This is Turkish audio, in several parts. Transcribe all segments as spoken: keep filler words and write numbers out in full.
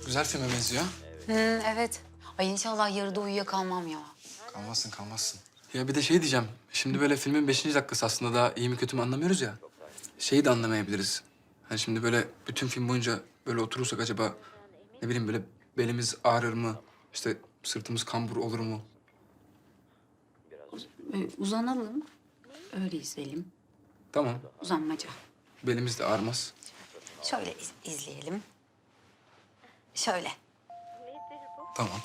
Güzel filme benziyor. Hı, evet. Ay inşallah yarıda uyuyakalmam ya. Kalmazsın, kalmazsın. Ya bir de şey diyeceğim. Şimdi böyle filmin beşinci dakikası aslında daha iyi mi kötü mü anlamıyoruz ya. Şeyi de anlamayabiliriz. Hani şimdi böyle bütün film boyunca böyle oturursak acaba ne bileyim böyle belimiz ağrır mı? İşte sırtımız kambur olur mu? Ee, uzanalım. Öyle izleyelim. Tamam. Uzanmaca. Belimiz de ağrımaz. Şöyle iz- izleyelim. Şöyle. Tamam.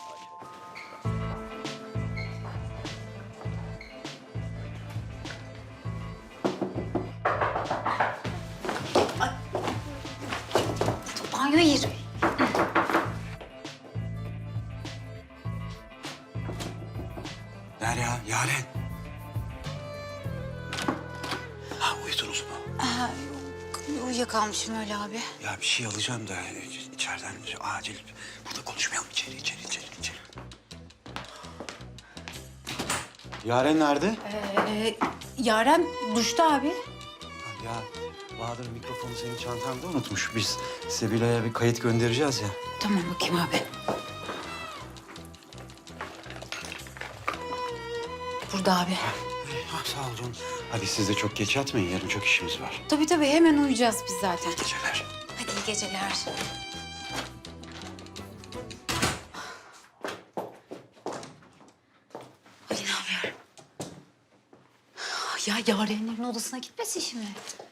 Banyoya gir. Derya, Yaren. Ha uyudunuz mu? Aa, yok. Uyuyakalmışım öyle abi. Ya bir şey alacağım da içeriden acil. Burada konuşmayalım. İçeri, içeri, içeri, içeri. Yaren nerede? Ee, Yaren duşta abi. Ya Bahadır mikrofonu senin çantanda unutmuş. Biz Sebila'ya bir kayıt göndereceğiz ya. Tamam bakayım abi. Burada abi. Ha, sağ ol canım. Hadi siz de çok geç yatmayın. Yarın çok işimiz var. Tabii tabii hemen uyuyacağız biz zaten. Geceler. Hadi iyi geceler. Ali ne yapıyor? Ya Yarenlerin odasına gitmesin şimdi.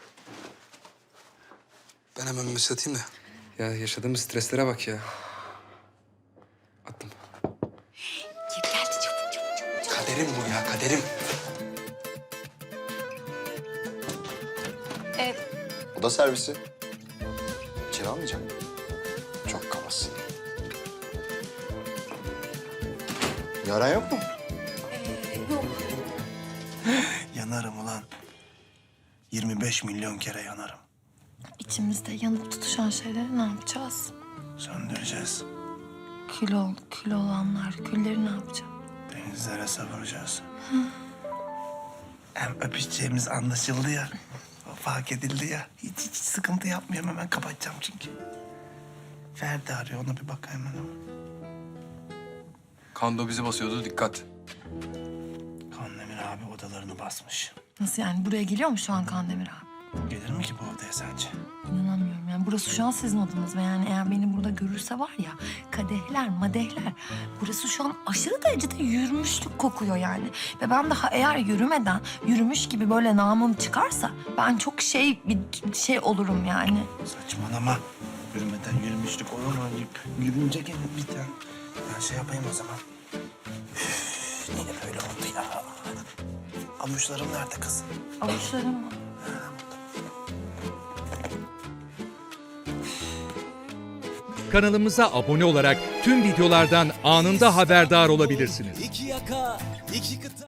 Ben hemen mesaj atayım da. Ya yaşadığımız streslere bak ya. Attım. Kim geldi çabuk çabuk çabuk. çabuk. Kaderim bu ya, kaderim. Ee, Oda servisi. İçeri almayacak mı? Çok kabasın. Yaren yok mu? e, yok. Yanarım ulan. yirmi beş milyon kere yanarım. İçimizde yanıp tutuşan şeyleri ne yapacağız? Söndüreceğiz. Kül ol, kül olanlar, külleri ne yapacağız? Denizlere savuracağız. Hem öpüşeceğimiz anlaşıldı ya. O fark edildi ya. Hiç hiç sıkıntı yapmıyorum, hemen kapatacağım çünkü. Ferdi arıyor, ona bir bak hemen. Kando bizi basıyordu, dikkat. Kandemir abi odalarını basmış. Nasıl yani? Buraya geliyor mu şu an Kandemir abi? Gelir mi ki bu odaya sence? İnanamıyorum yani. Burası şu an sizin odanız ve yani eğer beni burada görürse var ya kadehler, madehler. Burası şu an aşırı derecede yürümüşlük kokuyor yani. Ve ben daha eğer yürümeden yürümüş gibi böyle namım çıkarsa ben çok şey bir şey olurum yani. Saçmalama. Yürümeden yürümüşlük olur mu? Yürünce gelir bir tane. Ben şey yapayım o zaman. Üf, niye böyle oldu ya? Avuçlarım nerede kız? Avuçlarım mı? Kanalımıza abone olarak tüm videolardan anında haberdar olabilirsiniz. İki yaka, iki kıta.